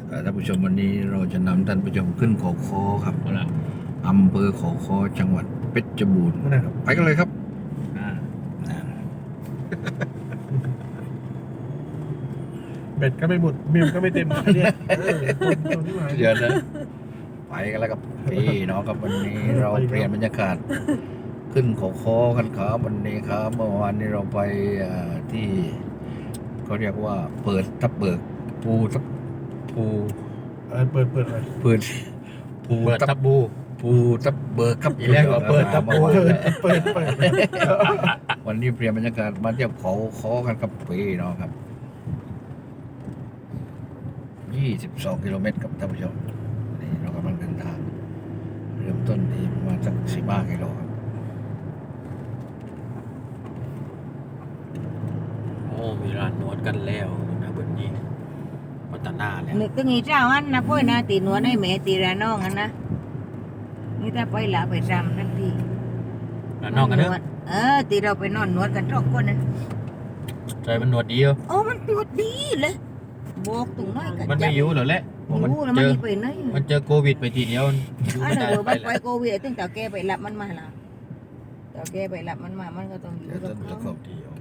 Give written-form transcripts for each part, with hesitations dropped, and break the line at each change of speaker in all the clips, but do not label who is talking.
ท่านผู้ชมวันนี้เราจะนำท่านผู้ชมขึ้นเขาค้อครับอำเภอเขาค้อจังหวัดเพชรบูรณ์นะครับไปกันเลยครับอ่า
เบ็ดก็ไม่หมดมิวก็ไม่เต็มเนี่ยคนที่มา
เดี๋ยวนะไปกันแล้วครับพี่น้องครับวันนี้เราเปลี่ยนบรรยากาศขึ้นเขาค้อกันครับวันนี้ครับเมื่อวานนี้เราไปที่เขาเรียกว่าเปิดทับเบิกภูทับภู
เปิดอะไร
เปิดภู
เปิด
ทั
ทั
บบ
บู
ภูทับเบิกครับ
อีแรกว่าเปิดทับบู
เปิด
วันนี้เปลี่ยนบรรยากาศมาเที่ยวเขาค้อกันครับพี่น้องครับ22 กิโลเมตรครับท่านผู้ชมนี่เรากำลังเดินทางเริ่มต้นที่ประมาณสัก15 กิโลครับ
โอ้มีร้านนวดกันแล้วนะวันนี้พัฒนาแล้ว
นึกถึงอีเจ้าอันนะพ่อยนะตีหนวดให้แม่ตีระน้องอันนะนี่ถ้าไปละไปจำทันที
แล้วนอกกันเนอะ
ตีเราไปนอนนวดกันทุกคนนะ
ใจมันนวดดีเหรอ
โอ้มันนวดดีเลยบอกตรงน้อยกัน
มันไม่อยู่เหรอแหละ
มัน
มัน
แล้ว
เจ
มัน
อ
นี่ไปไหน
มันเจอโควิดไปทีเดียวอยู่
อัน
ไม่
นั้
ได้
น
ไป
มันไป
แล้ว
โควิดตั้งแต่แกไปรับมันมาละแต่แกไปรับมันมามันก็ต้องอยู่
เดี๋ยว
กับ
ท่านผู้ช
เขา
ม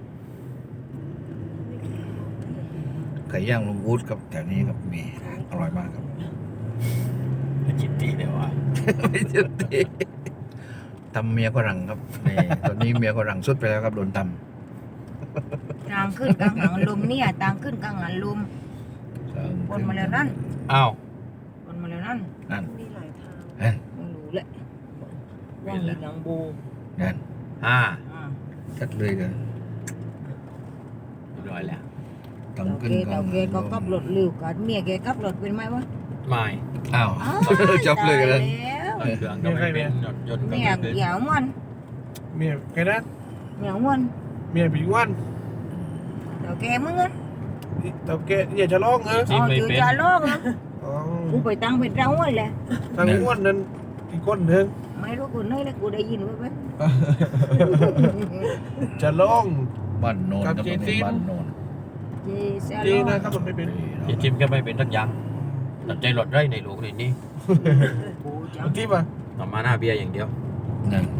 ไก่ย่างลุงวูดครับแถวนี้ครับมีอร่อยมากครับ
จิตตีเดียวว่ะ
ไม่ใช่ตีทำเมียฝรั่งครับนี่ตอนนี้เมียฝรั่งสุดไปแล้วครับโดนท
ต่างขึ้นกลางหันลมเนี่ยต่างขึ้นกลางหันลม
ำ
บนมาแล้วนั่น
อ้าว
บนมาแล้วนั่น
นั่น
มีหลายทาง
นั่น
ไม่รู้แหละว่างมีหลังโบ
นั่น
อ่า
ชัดเลยกัน
เรียบร้อยแล้ว
ต้องขึ้น
เต่าแกก็ขับรถเร็วกันเมียแกขับรถเป็นไหมวะ
ไม่
อ้าวจบเลยกัน
แล้ว
เครื่องก็ไม่เป็นรถยนต์ก็
เมีย
ไม่เป็น
เหยามัน
เมียแกนะ
เหยามัน
เมียปีวัน
เต่าแกมึงอ่ะ
แต่แกอย่าจะร้องเออ
จิ้มไม่
อยู่
เป็น
จะโลกนะ
อ๋อ
กูไปตั้งเป็นเราเลย
ทางอ้วนนั้นอีกคนหนึ่ง
ไม่รู้กูนี่นะกูได้ยินไว้ไหม
จะร้อง
บ้านโนน
กับ
ครับ
เจ
ตรง
ซี
นี้
น
บ้านโนน
เจนะครับมันไม่เป็น
ที่จิ้มก็ไม่เป็นสักอย่างตัดใจหลดได้ในโลกเลยนี่
กูจัง
ที่ป่ะ
ต่อมาหน้าเบียร์อย่างเดียว
นั่น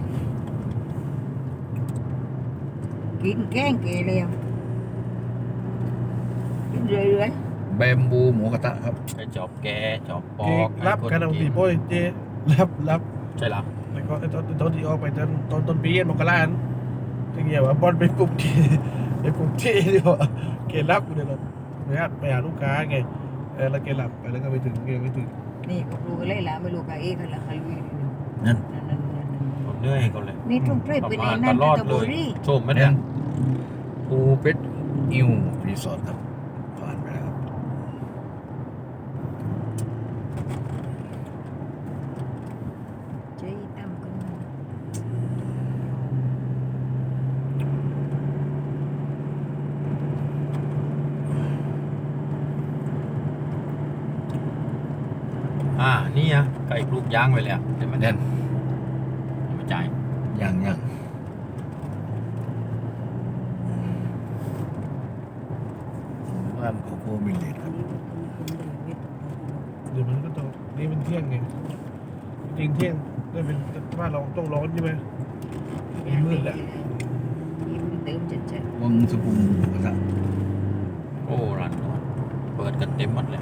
กินแกงเกลียวกินเรื่อย
แบมบูหมูกระทะครับ
ไปจอบแกจอบป
เก
อก
รับกันเอาปีโป้ยเจรับ
ใช่หรอ
แล้วก็ตอนที่ออกไปตอนต้นปีมกราทีเงี้ยว่าบอลไปปลุกที่ไปปลุกที่ดีกว่าเกรับกูเดี๋ยวเราไปหาลูกค้าไงแล้วเกรับไปแล้วก็ไปถึงเกไม่ถึง
ๆนี่ก็รู้กันเลยละไม่รู้กับเอกกันละใครรู้
นั่น
นั่น
ผมเหนื่อยเขาเลย
นี่ต้องเทรไปใน
ต
นั่น
ลอด
ตะ
เล
บุ
ย
รี
ชมไหมเนี่
นั่
ย
นภูเพชรอิวรีสอร์ทครับผ่านไปแล้วครับ
เจ๊ตั้มกันมา
นี่อ่ะไก่ปลูกย่างไว้แล้วเดี๋ยวมัน
นั่น
มาจ่าย
ยังบ้านโคโค่มิลเลตครับ
เดี๋ยวมันก็ต้องนี่เป็นเที่ยงไงจริงเที่ยงได้เป็นบ้านเราต้องร้อนใช่ไหมมืดแหละ
ยิ้มเติมจัด
วังสุขุมหมูกระทะ
โอ้ร้านนวดเปิดกันเต็มหมดเลย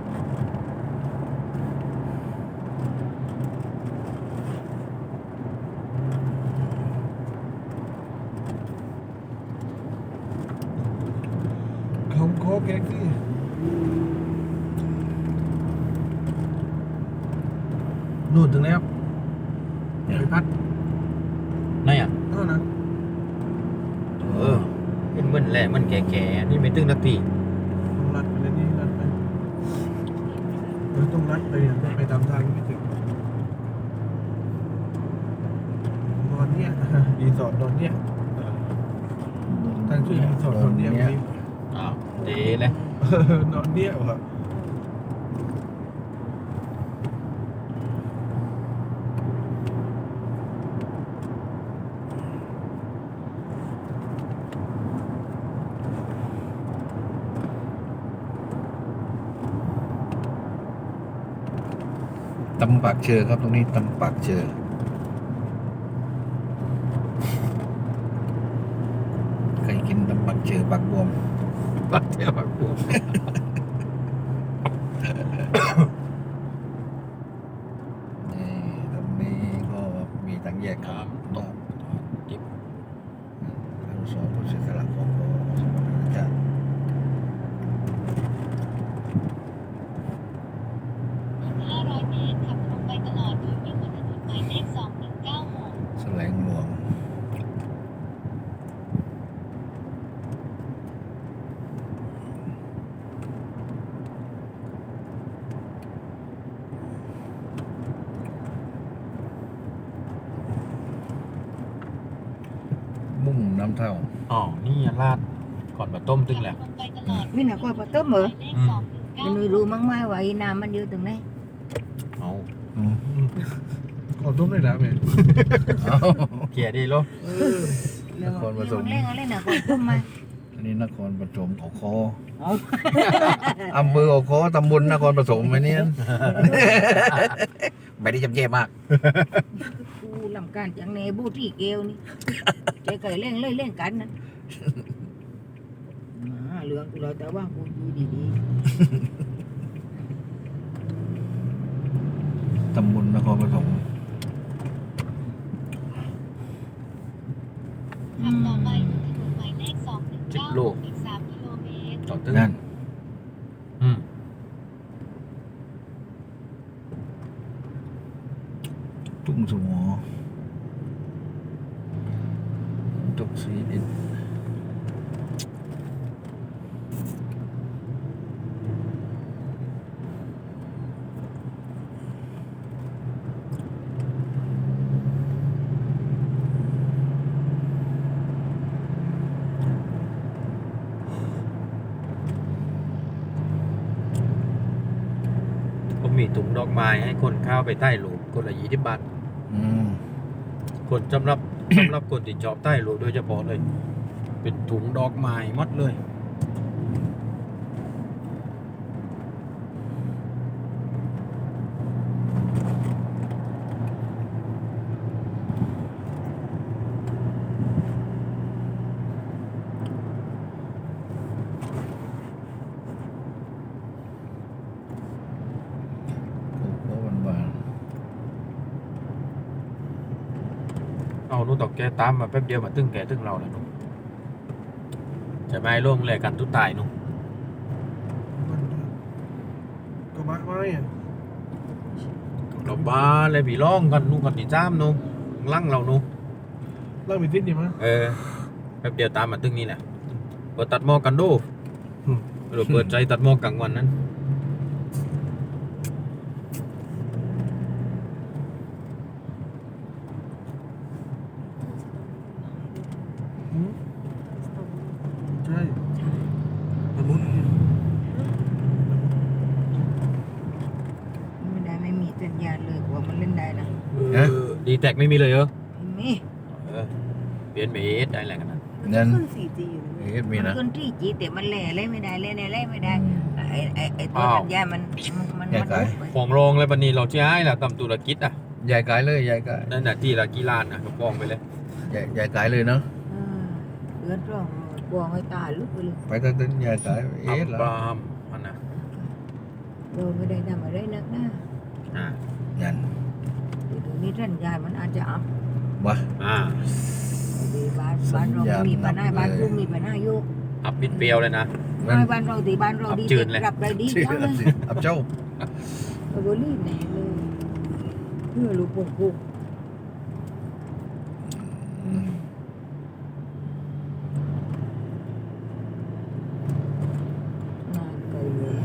เขาโค้กแกงที่นู่นถึงแล้วไปพัด
ไหนอ่ะ
นั่นนะ
เป็นเหมือนแหละมันแก่ๆนี่ไม่ตึงนาที
ต้องรัดไปเลยนี่รัดไปต้องรัดไปไปตามทางไม่ถึงนอนเนี่ยรีสอร์ทนอนเนี่ยทางชื่อรีสอร์ทนอนเนี่ย
อ้าวเดเลย
นอนเนี่ยเหรอ
ตำปากเชอครับตรงนี้ตำปากเชอเคยกินตำปากเชอปากบวม
ปักเที่ยวปักปู
นี่ตรงนี้ก็มีทางแยกครับตก
จิบ
อนุสาวรีย์เสียสละของสมรภูมิชาติ
500 เมตร ขับตรงไปตลอดโดยวิ่งบนถนนหมายเลข 2196
แสลงหลวงมุ่งน้ำเท่า
อ๋อนี่ลาดก่อนมาต้มตึงแหละ
ขับตรงไปตลอด
นี่นะก็ปะต้มเหรอ
หมายเลข
มันไม่รู้มั้งไหมว่าไอ้น้ำมันอยู่ตรงไหน
เอา
ก่อนต้มได้แล้วแม่
เอา
เกียร์ดีโล
แล้วมันเล่นอะไรนะก็ต้มมา
อันนี้นครปฐมขอคอ
เอา
อำเภอขอคอตำบลนครปฐมไหมเนี่ย ไม่ได้จำเจมาก
กูลำการจังเนบูที่เกลนี่ใจไก่เล่นเล่นกันนะเหลืองกูเลยแต่ว่ากูอยู่ดี
ตำบลนครปฐม
ขับต่อไปบนถนนหมายเลข 2196 อีก 3 กิโลเมตร
ต่อตึง
นั่น
อืม
ตุ้งสมอตุกสีดิน
ก็มีถุงดอกไม้ให้คนเข้าไปใต้หลูคนละ20 บาท
อืม
คนสำหรับ คนที่ชอบใต้หลูโดยเฉพาะเลย เป็นถุงดอกไม้หมดเลย
โอ้โหหวาน
เอานู่นตอกแกตามมาแป๊บเดียวมาตึ้งแกตึ้งเราแล้วนู่นจะไม่ร่วงแลกันทุกตายนู่น
ก็มาไม่อ่ะ
เราบ้าเลยผีร้องกันนู่นกันที่จ้ามนู่นลั่งเรานู่น
เล่ามีทิศดีมั้ย
แป๊บเดียวตามมาตึ้งนี่แหละเปิดตัดหม้อกันดูหรือเปิดใจตัดหม้อกลางวันนั้น
ใช่ตะมุด
ๆไม่ได้ไม่มีสัญญาณเลยว่ามันเล่นได้นะ
ดีแท็กไม่มีเลยเหรอ
ไม่มี
เปลี่ยนเบสได้อะไรกันนะ
นั่น
ขึ้น 4G อยู่เลย
เอ๊ะมี
มัน
นะ
ขึ้น 3G แต่มันเล่นไม่ได้เล่นไม่ได้ไอ้ตัวสัญญาณมัน
ฟองรองเลยปันนี้เราใช้แหละตำตุรกิจอ่ะ
ใหญ่กายเลยใหญ่กาย
นั่นน่ะที่ละกี่ล้านอ่ะก็ฟองไปเลย
ใหญ่กายเลยเนาะ
เลือดร้องกลัวไม่ตายลุกไปเลย
ไปตั้งแต่ใหญ่กายเอ๊ะ
อั
ละ
บรามมันนะ
โดนไม่ได้ทำอะไรนักนะ
อ่า
นั่น
เดี๋ยวนี้สัญญาณมันอาจจะอัพ
วะ
อ่า
บ้านเรามีปัญหาบ้านกูมีปัญหาอยู่
อับปิดเปรียวเลยนะ
นั่น
บ้านเราตีบ้านเราดี
อับจืดเลย
รับได้ดี
ชื่อ
จังเลย
อับเจ้า
โดนรีบแน่เลยเพื่อลูกปุ่งปุ่ง
อืม
นานเกินเลย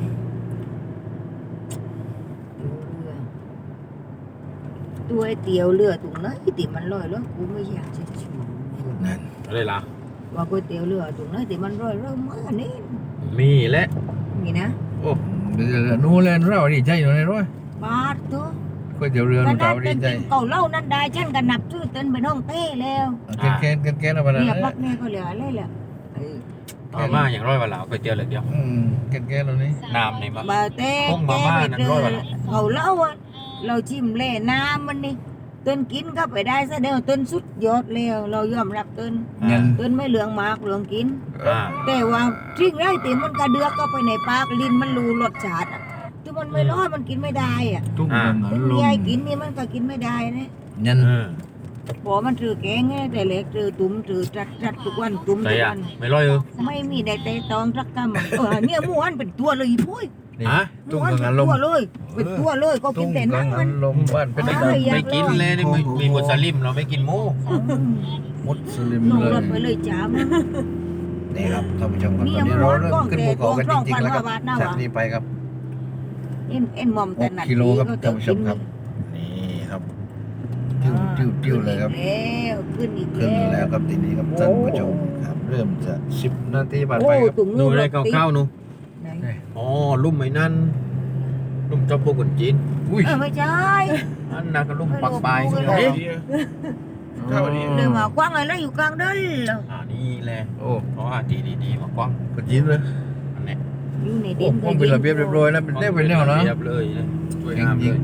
ตัวไอ้เตียวเรือตรงนั้นที่มันลอยแล้วกูไม่อยากจะชู
นั่น
อะไรล่ะ
ว่าก๋วยเตี๋ยวเรือตรงนั้นที่มันลอยแล้วมานี่
มีและ
นี่นะ
โอ้
เรือนู้นเลยเราดีใจอยู่ในร้อย
บาทตัว
ก๋วยเตี๋ยวเรือ
ข
นู้น
นา
เรา
ด
ดี
เป็น
ใจ
เก่าเล่านั่นได้ฉันก็นับชื่อเต้นไปน้องเต้แล้ว
แกนเอาไปเลย
เนี่ยพักเนี่ยก็เหลืออะไรแหละไอ้
มาม่าอย่างร้อยวันหลาวก๋วยเตี๋ยวเหลือเดียว
แกนเรานี่
น้ำในมะ
บาเต้
พวกมาม่านั่นร้อยวันละ
เก่าเล่าอ่ะเราชิมเล่น้ำมันนี่ต้นกินก็ไปได้ซะเดียวต้นสุดยอดแล้วเรายอมรับต้น
เงิน
ต้นไม่เหลืองมากเหลืองกิน
อ่า
แต่ว่าทิ้งไรติมันกระเดือกก็ไปในปากลิ้นมันรูรสชาติอะที่มันไม่ร้อนมันกินไม่ได้อ่ะ
ตุ้มลม
เป็น
ล
ยาย
ม
กินนี่มันก็กินไม่ได้นะ
เงิน
พอมันถือแกงไงแต่เล็กถือตุ้มถือจัดทุกวันตุ้ม
ใส่
ทุก
อ่ะ
วัน
ไม่ร้อยเออ
ไม่มีได้แต่ตองสักกำเนี่ยหมูอันเป็นตัวเลยพุ้ย
นี่
ฮะ
ห
ตุ้
มู
ม
อัน
กั
เป็
ง
น
ลม
ตัวเลยเป็นตัวเลยก็กิ
ตุ้
น
ม
แต่
กั
นั่
ง
งมัน
ลมบ้านเป็น
อ๋อ
ดำ
อยาก
ไม่กินเลยนี่มีมุสลิมเราไม่กินหมู
มุสลิม
ลง
เลย
รถไปเลยจ้ามัน
นี่ครับท่านผู้ชมครับ
นี่
ตอนนี้
ยัง
เรา
ร้อน
เริ่ม
กล้อง
ขึ้นภูเขากัน
แต่
จริงๆแล้วครับ
กล้องพันกว่าบาทน่ะ
จากนี้ไปครับ
เอ็นหมอมแต่หนัด
6 กิโลครับ
ก็
ท่านผู้ชมครับ นี่ครับติ้วเลยครับ
แล้วขึ้นอีก
ขึ้น
แล้ว
แล้วครับทีนี้ครับท่านผู้ชมครับ เริ่มจะ10 นาทีผ่านไปครับ
ตุ่ม
ดู
นู่น
อะไร
รถติด
ข้าวๆนู
ไหน
อ๋อลุ่มไอ้นั่นลุ่มเจ้าพวกคนจีน
อุ้ย
ไม่ใช่
อันนั้นก็ลุ่มปักปลาย
ไม่รู้
ข้าว
เอ๊ะ
ดีข้าวดี
เลยมากว้างอะไรอยู่กลางเดินเหรอ
นี่แหละ
โอ้
เพราะว่าดีมากว้าง
กดยิ้มเลย
อันนี้
อยู่ใน
โอ้
ดิน
ผมเป็นระเบียบเรียบร้อยนะเป็นแนวเป็นแนวนะ
เรียบเลยนะสวยงามเลย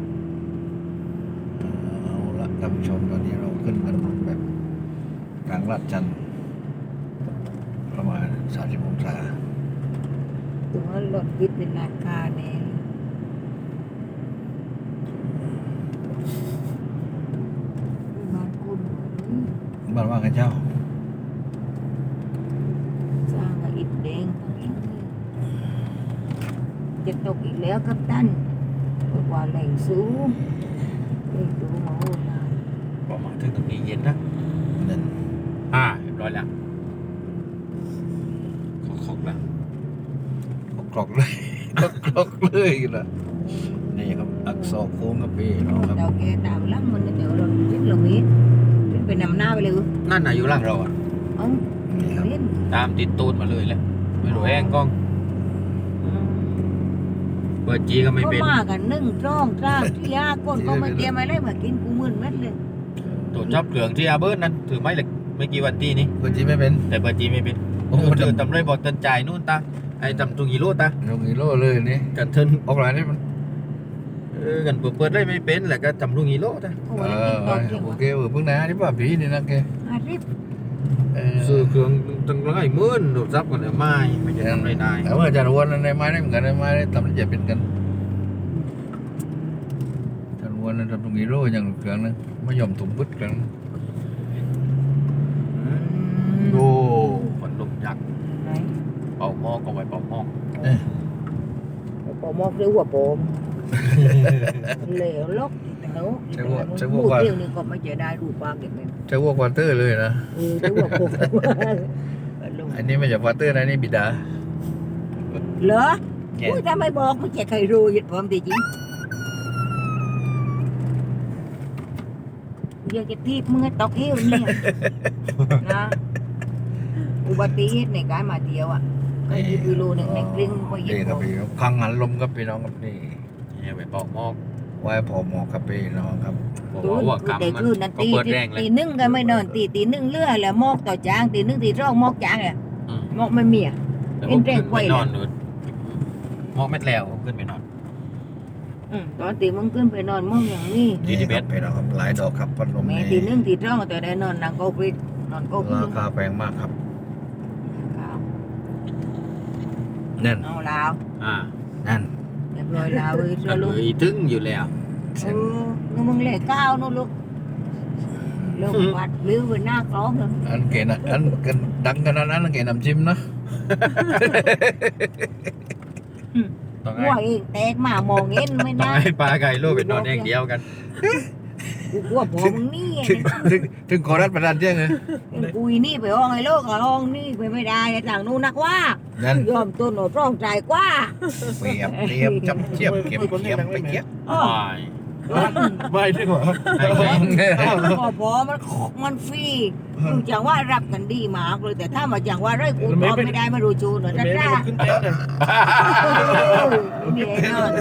เอาละท่านผู้ชมตอนนี้เราขึ้นกันแบบกลางลาดจันทร์ประมาณ30 องศา
ตัวรถติดเป็นราคาแน่บ้านคุณ
บ้านว่ากันเจ้า
สร้างกับอิฐแดงทั้งนี้จะตกอีกแล้วครับท่านเพราะว่าแหล่งสูงแหล่งสูงมาโหดนาน
พอมาถึงตรงนี้เย็นนะ
นั่น
เรียบร้อยแล้วขอกแล้ว
กรอกเลย กรอกเลยนะนี่ครับอักษรโค้งกับพี่น้องครับ
เราแกตามลังมันเดี๋ยวเราคิดเรามีเป็นนำหน้าไปเลย
นั่นน่ะอยู่ล่างเราอ่ะ
เอ้า
นี่ครับ
เล่น
ตามติดตูดมาเลยแหละไม่รู้แห้งกล้องเปิดจีก็ไม่
ก็
เป็น
มากันนึ่งจ้องจ้าที่ยาคนก็ไม่เตรียมอะไรมากินกูมึนเม็ดเลย
ตัวจับเหลืองที่อาเบิร์ดนั้นถือไม้เหล็กไม่กี่วันที่นี้
เปิดจีไม่เป็น
แต่เปิดจีไม่เป็น
โอ้โห
เจอตำเลยบอกเตินจ่ายนู่นตาไอ้ตำตุงฮีโร่ตา
ลงอีโลเลยนี่
กันเทิน
ออกหลายนี่มัน
กันเปิดได้ไม่เป็นแหละก็ตำลุงฮีโร่ตา
โอ้
เอย
ตอนเที่ยง
โอ
วะ
เคเพิ่งนะนี่ป่ะพี่นี่นะแก
อาทิตย์
ซื้อเครื่องตั้งร้อยหมื่นโดดซับกันเลยไม่จะทำอะไรได้
แต่ว่าอาจารย์วนในไม้ได้เหมือนกันในไม้ได้ทำได้จะเป็นกันอาจารย์วนทำตรงอีโลอย่างเครื่องนึงไม่ยอมถุงบึ้ดกันโอ้
ฝนลมยักษ์
ไหน
เป่าหม้อก็ไว้เป่าหม้อ
ปอมอกเรียกว่าปอมเหลวลกแต่พูดเรื่องนี้ก็ไม่จะได้รูปปากเก็บเงิน
จะวัวควอเตอร์เลยนะ
เรียกว่าปอม
อันนี้ไม่ใช่ควอเตอร์นะนี่บิดา
เหรออุ้ยถ้าไม่บอกไม่ใครรู้ยึดผมจริงอยากจะทีบมึงตกเหี้ยวเนี่ยนะอุบัติเหตุในการมาเที่ยวอ่ะก็ยืดกิโลหนึ่งในกลิ้งไปยึด
นี่ครับพี่คังหันลมครับพี่น้องครับนี่
เนี่ยไว้เป่าหม้อ
ไว้พอหมอกครับพี่น้องครับ
บอกว่ากรรม
แต่
มัน
คืนนั้น
ก็
ตี
เปิดแรงเลย
ตีหนึ่งก็ไม่นอนตีหนึ่งเลื่อแล้วมอกต่อจางตีหนึ่งตีร่องมอกจางอ่ะมอกไม่มีอ่ะ
แต่ผมขึ้น
เป็นแรงไขว้
ไปนอนหนูหม้อเม็ดแล้วผมขึ้นไปนอน
ตอนตีมึงขึ้นไปนอนมอกอย่างนี้
ดีที่เบ็ด
พี่น้องครับหลายดอกครับพัดลม
แม่
นี่
ตีหนึ่งตีร่องแต่ได้นอนนางก็ไปนอนก็ไป
ราคาแพงมากครับนั่น
เอาลาว
นั่น
เรียบร้อยลาวเลย
ก็
เชื่อ
เล
ลูก
ยถึงอยู่แล้ว
นู่นมึงเล่ก้าวนู่นลูกลูกวัดลื้อไปหน้ากล้องเลย
อันเกณฑ์อันกันดังขนาดนั้นเกณฑ์น้ำจิ้มนะ
ต้อง
หัวเองแตกมามองเห็นไม่
ต้อง
ได้
ให้ปลาไก่โลกไปนอนเองเดียวกัน
กูกลัวผมมึงนี่
ถึงขอรัดประดานเที่ยงเลย
กูนี่ไปห้องไอ้โลกกับห้องนี่ไปไม่ได้ต่างนู้นนักว่า
นั่น
ยอมตัวหนูร้องใจกว่า
เปรียบเทียบจับเทียบเก็บเทียบไปเทียบ
อ้อ
ไม่ดีกว่า
พอมันฟรีดูจังว่ารับกันดีมากเลยแต่ถ้ามาจังว่าไรกูตอบไม่ได้ไม่รู้จูนหน่อย
ไม่
นะ
ได้
จ้า
ขึ้นเต้นเลย
มีแน่นอน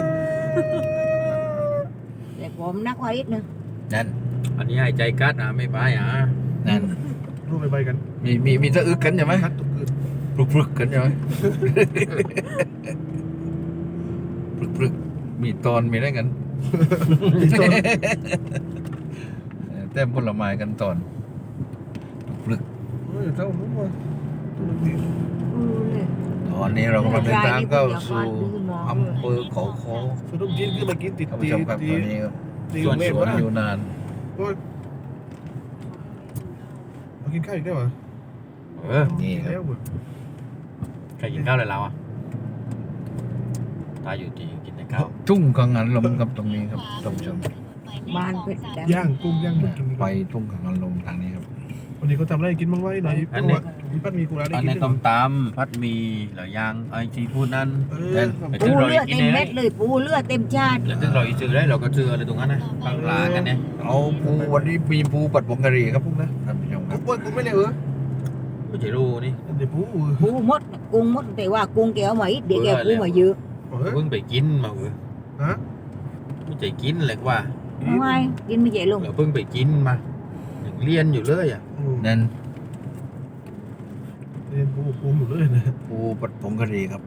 แต่ผมนักไว้อีกนึง
นั่น
อันนี้ให้ใจกัดไม่ไป
นั่น
รูปไปกัน
มีสะอึกกันใช่ไหม
คัดตุกคืน
ปลุกกันใช่ไหมปลุกมีตอนมีอะไรกันเต็มผลไม้กันตอนปลึก
เฮ้ยเท่านู้นวะตัวนึง
ตอนนี้เรากำลังเดินทางเข้าสู่อำเภอเขาคอ
ขนมจีนขึ้นมากินติด
ท่าน
ตี
ผู้ชมครับ
ตี
ตอนนี้ครับ
ตี
สวน
เมฆ
สวน
วะ
อยู่นาน
โอ้ยมากินข้าวอีกได้วะ
เออ
นี่ค
แล้
รับ
วเว้ย
ใครกินข้าวเลยเราอ่ะตายอยู่ดีกินแต่ข้าว
ทุ่งกังหันลมครับตรงนี้ครับท่านผู้ชม
บ้านเพชรด
ย่างกุ้งย่างหมดกิน
ไปทุ่งกังหันลมทางนี้ครับ
วันนี้เขาทำอะไรกินบ้างไว้หน่อยเพราะว่ามีปั้นมีกุหลาบได้
อัน
กิน
นี้
ด้วย
ต้มตำพัดหมีเหลือย่างไอซีฟู้ดนั้น
เออ
ไป
ปู
ซื้อเรา
เลือด
กิน
เต็ม
เอง
เม็ดเลยปูเลือดเต็มชาติ
แล้วซึ่งเราอีซื้อได้เราก็ซื้ออะไรตรงนั้นนะบางร้านกันเนี่ย
เอาปูวันนี้มีปูปัดผงกะหรี่ครับพวกนะท่านผู้ชมครับ
กูกูไม่เลยเหรอ
ไม่ใช่รู้นี่
เดี๋ยวปู
ปูมดกุ้งมดแต่ว่ากุ้งแก้วมาอีกเดี๋ยวแกปูมาเยอะ
เพิ่งไปกินมาเออ
ฮะ
ไม่ใช่กินเลยว่า
ทำไมกินไม่ใหญ่ลง
เราเพิ่งไปกินมายังเรียนอยู่เลยอ่ะ
นั่น
เรียนปูอยู่เลยนะ
ปูปัดผงกะหรี่ครับ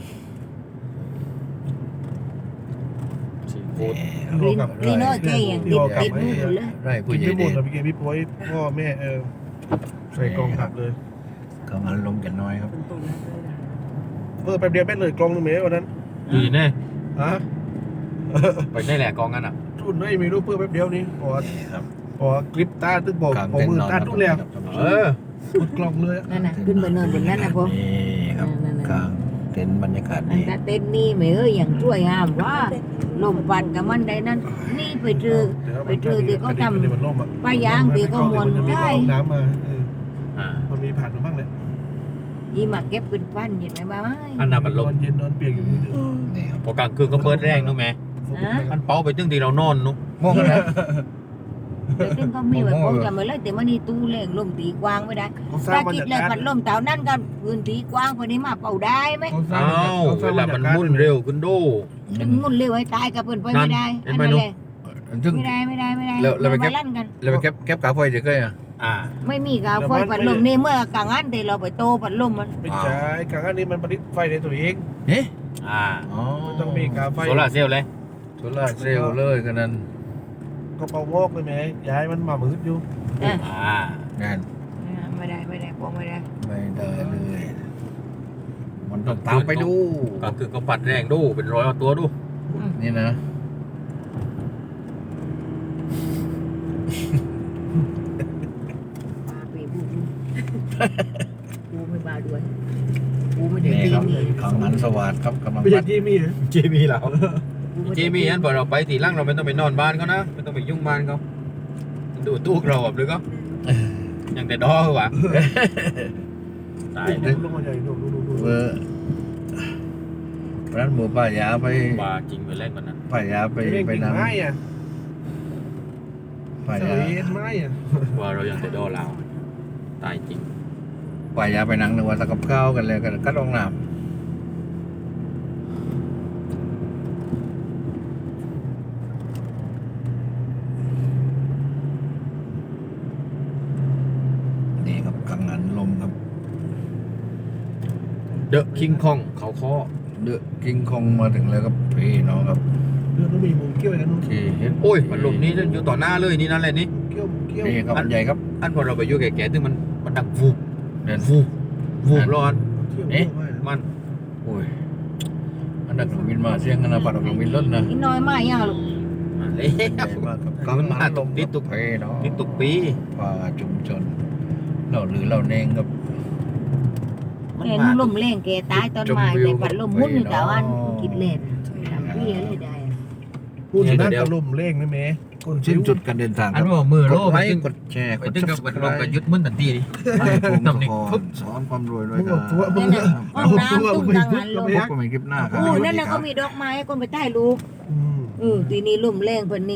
ซีฟู้ด
กินกินน้อยใจอย่างติดติดมือเลย
ไร่ผู้
กิน
ใหญ่
ไม่หม
เด่
ด
น
นะพี่เกมพี่ปอยพ่อแม่ใส่กล่องขับเลย
กังหันลมกันน้อยครับ
แป๊บเดียวแม่เลยกล่องนึงเมตรวันนั้น
ดีแน่
ฮะ
ไปได้แหละกองกันอ่ะ
ทุนไม่รู้เพื่อแป๊บเดียวนี้พอ
นี่ครับ
พอกริปตาตึกบอก
กลาง
พอ
เต็น
มื
ท์
อน
อน
ตา
ครับ
ทุกแล้ว
เออ
หมดกล่องเลย
นั่นน่ะขึ้นไปนอนบนนั้นนะพ่อ
นี่ครับ
นั่นๆ
กลางเต็นท์บรรยากาศ
อัน
ดี
ตาเต้นนี่ไม่เอ้ยอย่างช่วยห้ามว่าลมปัดกับมันใดนั้นนี่ไปเจอ ปลายางเดี๋ยวก็มวนได้
น้ำมา
อ่า
มันมีผ่านมาบ้างเลย
ยี่มาเก็บเป็นปั้นเห็นไหมบ้าง
อันนั้นมันล
น
ม
อนเย็นนอนเปียกอยู่นี่
นี่ครับ
พอกลางคืนก็เปิดแรงนู้ไหมมันเป้าไปตึ้งที่เรานอนนู้
มองกันนะ
เดี๋ยวตึ้งก็มีไว้ผมจะมาเลยแต่มันนี่ตู้แรงลมตีกว้างไม่ได้
เขาส
ถ้า
ร้างบรร
คิด
ยา
เลย
กาศ
พัดลมเต่านั่นกันพื้นที่กว้างกว่านี้มาเป่าได้ไหม
อ้าวเวลามันมุ่นเร็วขึ้นดู
ถึงมุ่นเร็วให้ตายกับเพื่อนไปไม่ได้
นั่
อั
น
น
เห็
นั้น
นไหม
เลย
ซึ่ง
ไม่ได้
แล้วไปเก็บ
มาลั่นกัน
เราไปเก็บกาไฟเดี๋ยวก็อ่ะ
อ่า
ไม่มีกาไฟพัดลมนี่เมื่อกลางอันแต่เราไปโตพัดลมมัน
ไม่ใช่กลางอันนี้มันผลิตไฟในตัวเอง
เอ๊ะ
อ่า
อ๋อ
ไม่ต้องมีกาไฟ
โซลาร์เซลล์เลย
โซล่าร์เซลล์เลยกันนั้น
ก็เป่าวอกเลยแม่ย้ายมันมามืดอยู่
อ่า
นั่น
ไม่ได้พอไม่ได้
ไม่ได้เลย มันต้องตามไปดู
กลางคืนก็ปัดแรงดูเป็นร้อยเอาตัวดู
นี่นะ
มาไปบูบูไม่มาด้วยบูไม่ได้
นี่
ตี
ครับ
นี่
ขังหันสวัสดครับกำลัง
ไม่ใช่
ปัด
ที่มีเหรอ
เจมี่เราเจมี่อันพอเราไปทีหล่างเราไม่ต้องไปนอนบ้านเขานะไม่ต้องไปยุ่งบ้านเขาดูตู้เราแบบหรือก็อย่างแต่ดอคือวะตาย
ลงมาใหญ่ดู
เบอร์ร้านหมูป้ายาไป
บาจริงไปเล่นวันนั้น
ป้ายาไป
ไป
ไป
กิ่ง
นำ
ไม้อ่ะ
ป้า
เส
ยาย
ไม้อ่ะ
ว่าเราอย่างแต่ดอเราตายจริง
ป้ายาไปนั่งนึกว่าตะกับข้าวกันเลยกันก็ลงน้ำนี่ครับกังหันลมครับ
เดอะคิงคองเขาข้อ
เดอะกิงคองมาถึงแล้วครับพี่น้องครับ
เรื่องต้องมีมุมเกี้ยวกันนู้น
ที่เห็น
โอ้ยมันลมนี้อยู่ต่อหน้าเลยนี่นั่นแหละนี่
เกี้ยว
นี่ครับอันใหญ่ครับ
อันพอเราไปอยู่แก่ๆซึ่งมันดังฟูบ
เดิน
ฟูบฟูบร้อน มัน
โอ้ยอันดับเครื่องบินมาเสียงกันนะปัดออกเครื่องบินรถนะ
อีน้อยมากยังลูก
มาเลย
ใหญ่มากครับกังหันลม
ติดตุก
พี่น้อง
นี่ตุกปี
ป่าชุมชนเราหรือเราเนงครับ
มัน
เห็น
มา
ลมแรงแกตายตอนมาแต่พัดลมมุ่นอยู่แต่วันคิดเล่นทำเพี้ยเลยได้
พูดถึงนั่นก็ลมเร่งนะแม่คน
สิ้
ชิ้
น
ว
จุดการเดินทางค
อัน
รับ
ว่ามือก โล
ด
ไป
ไล
ตึ้ง
ค์กดแชร์ก
ไป
ด
ตึ้งกับ
subscribe
ลงกับยึดมึนทันทีดิ
ให้ผม
นำนี่
ขอสอนความรวยด้วยกัน
มึง
ห้องน้ำตุ้งกลางหันลม
พบกันใหม่คลิปหน้าครับ
โอ้นั่นน่ะก็มีดอกไม้คนไปใต้รูปตีนี้ลมแรงเพิ่น